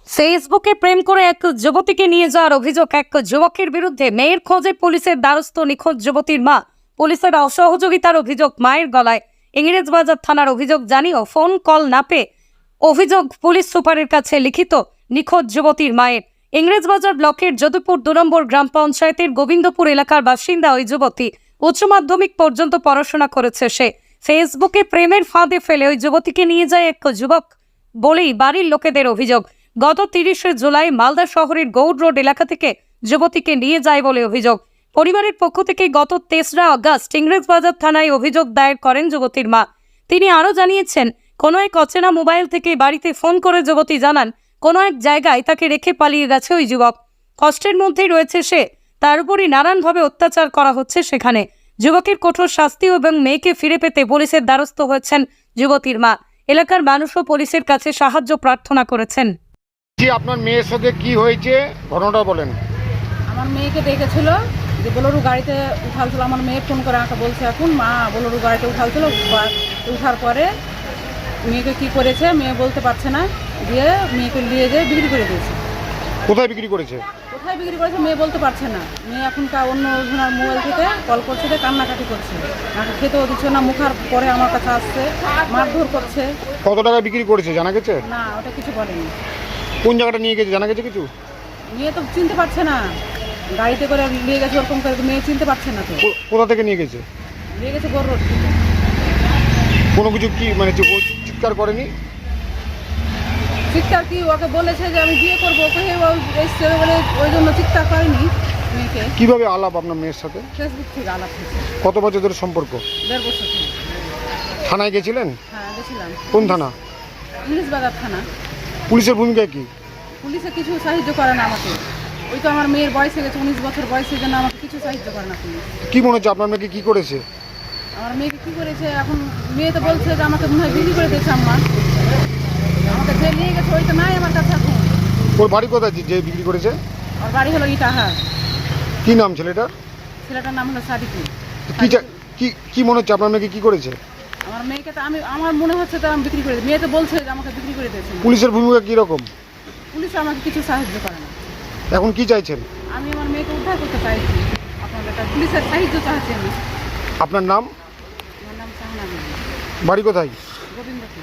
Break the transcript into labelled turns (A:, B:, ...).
A: ফেসবুকে প্রেম করে এক যুবতীকে নিয়ে যাওয়ার অভিযোগ এক যুবকের বিরুদ্ধে। মেয়ের খোঁজে পুলিশের দ্বারস্থ নিখোঁজ যুবতীর মা। পুলিশের অসহযোগিতার অভিযোগ মায়ের গলায়। ইংরেজবাজার থানার অভিযোগ জানিয়েও ফোন কল না পেয়ে অভিযোগ পুলিশ সুপারের কাছে লিখিত নিখোঁজ যুবতীর মায়ের। ইংরেজবাজার ব্লকের যদুপুর ২ নম্বর গ্রাম পঞ্চায়েতের গোবিন্দপুর এলাকার বাসিন্দা ওই যুবতী। উচ্চ মাধ্যমিক পর্যন্ত পড়াশোনা করেছে সে। ফেসবুকে প্রেমের ফাঁদে ফেলে ওই যুবতীকে নিয়ে যায় এক যুবক বলেই বাড়ির লোকেদের অভিযোগ। গত ৩০শে জুলাই মালদা শহরের গৌড় রোড এলাকা থেকে যুবতীকে নিয়ে যায় বলে অভিযোগ। পরিবারের পক্ষ থেকে গত ৩রা আগস্ট ইংরেজবাজার থানায় অভিযোগ দায়ের করেন যুবতীর মা। তিনি আরও জানিয়েছেন, কোনো এক অচেনা মোবাইল থেকে বাড়িতে ফোন করে যুবতী জানান কোনো এক জায়গায় তাকে রেখে পালিয়ে গেছে ওই যুবক। কষ্টের মধ্যেই রয়েছে সে, তার উপরই নানানভাবে অত্যাচার করা হচ্ছে সেখানে। যুবকের কঠোর শাস্তি এবং মেয়েকে ফিরে পেতে পুলিশের দ্বারস্থ হয়েছেন যুবতীর মা। এলাকার মানুষও পুলিশের কাছে সাহায্য প্রার্থনা করেছেন।
B: আপনার মেয়ের সাথে কি হয়েছে ঘটনাটা বলেন।
C: আমার মেয়েকে দেখেছিল যে বোলেরো গাড়িতে উঠালছিল। আমার মেয়ে ফোন করে আমাকে বলছে এখন মা বোলেরো গাড়িতে উঠালছিল। উঠার পরে মেয়েকে কি করেছে মেয়ে বলতে পারছে না, দিয়ে মেয়েকে নিয়ে যেয়ে বিক্রি করে দিয়েছে।
B: কোথায় বিক্রি করেছে?
C: কোথায় বিক্রি করেছে মেয়ে বলতে পারছে না। মেয়ে এখনকার অন্য জনের মোবাইল থেকে কল করছে, কান্নাকাটি করছে, আমাকে খেতেও দিচ্ছে না। মুখার পরে আমার কাছে আসছে, মারধর করছে।
B: কত টাকা বিক্রি করেছে জানা গেছে?
C: না, ওটা কিছু বলেনি।
B: কোন জায়গাটা নিয়ে গেছে জানা গেছে কিছু?
C: মেয়ে তো চিনতে পারছে না, গাড়িতে করে নিয়ে গেছে ওরকম করে, মেয়ে চিনতে পারছে না। তো
B: কোথা থেকে নিয়ে গেছে?
C: নিয়ে গেছে গৌড় রোড থেকে।
B: কোনো কিছু কি মানে চিৎকার করেনি?
C: চিৎকার কি, ওকে বলেছে যে আমি বিয়ে করবো, ওকে এসছে বলে ওই জন্য চিৎকার করেনি। মেয়েকে
B: কিভাবে আলাপ আপনার মেয়ের সাথে?
C: ফেসবুক থেকে আলাপ হয়েছে।
B: কত বছর ধরে সম্পর্ক?
C: 1.5 বছর থেকে।
B: থানায় গেছিলেন?
C: হ্যাঁ, গেছিলাম।
B: কোন থানা?
C: ইংরেজবাজার থানা।
B: পুলিশের ভূমিকা কি?
C: পুলিশে কিছু সাহায্য করে না আমাকে। ওই তো আমার মেয়ের বয়স হয়ে গেছে 19 বছর বয়সের জন্য আমাকে কিছু সাহায্য করে না পুলিশ।
B: কি মনে হচ্ছে আপনার মেয়েকে কি করেছে?
C: আমার মেয়েকে কি করেছে এখন মেয়ে তো বলছে যে আমাকে মনে হয় বিক্রি করে দিয়েছে আম্মা। আমাকে যে নিয়ে গেছে ওই তো নাই আমার কাছে এখন।
B: ওর বাড়ি কোথায় যে বিক্রি করেছে?
C: ওর বাড়ি হলো ইটাহার।
B: কি নাম ছেলেটার?
C: ছেলেটার নাম হলো সাদিকুল।
B: কি মনে হচ্ছে আপনার মেয়েকে কি করেছে?
C: আমার মেয়েকে তো আমার মনে হচ্ছে তো আমি বিক্রি করে দিই। মেয়ে তো বলছে যে আমাকে বিক্রি করে দিয়েছে।
B: পুলিশের ভূমিকা কি রকম?
C: পুলিশ আমাকে কিছু সাহায্য করে না।
B: এখন কি চাইছেন?
C: আমি আমার মেয়েকে উদ্ধার করতে চাইছি, আপনাদের কাছে পুলিশের সাহায্য চাইছি আমি।
B: আপনার নাম?
C: আমার নাম শাহানা বিবি।
B: বাড়ি কোথায়?
C: গোবিন্দপুর।